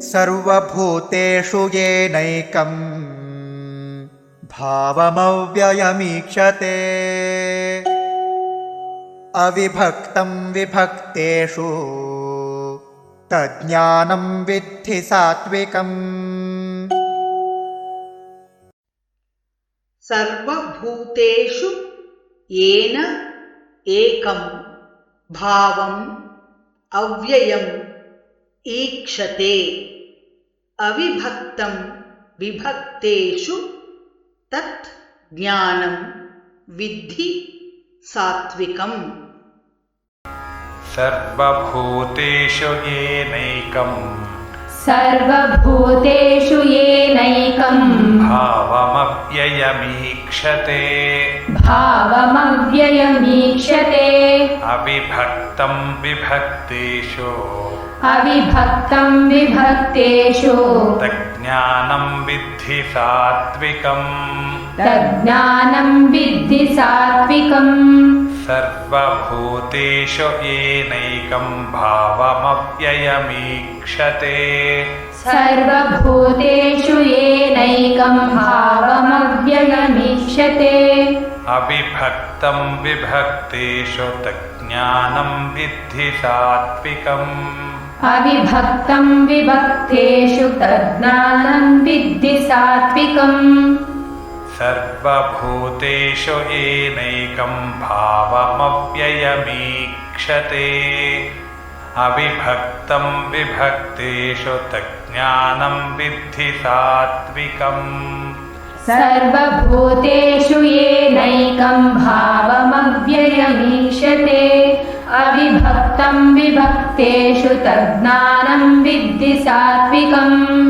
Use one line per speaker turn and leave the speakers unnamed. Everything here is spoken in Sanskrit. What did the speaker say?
सर्वभूतेषु येनैकं भावमव्ययमीक्षते अविभक्तं विभक्तेषु तज्ज्ञानं विद्धि सात्विकम्।
सर्वभूतेषु येन एकं भावम् अव्ययम् ईक्षते अविभक्तं विभक्तेषु तत् ज्ञानं विद्धि सात्विकम्।
सर्वभूतेषु येनैकं भावमव्ययमीक्षते अविभक्तं विभक्तेषु तज्ज्ञानं विद्धि सात्विकम्। सर्वभूतेषु येनैकं भावमव्ययमीक्षते अविभक्तं विभक्तेषु तज्ज्ञानं विद्धि सात्विकम्। सर्वभूतेषु येनैकं भावमव्ययमीक्षते अविभक्तं विभक्तेषु तज्ज्ञानं विद्धि सात्विकम्।
सर्वभूतेषु येनैकं भावमव्ययमीक्षते अविभक्तं विभक्तेषु तज्ज्ञानं विद्धि सात्विकम्।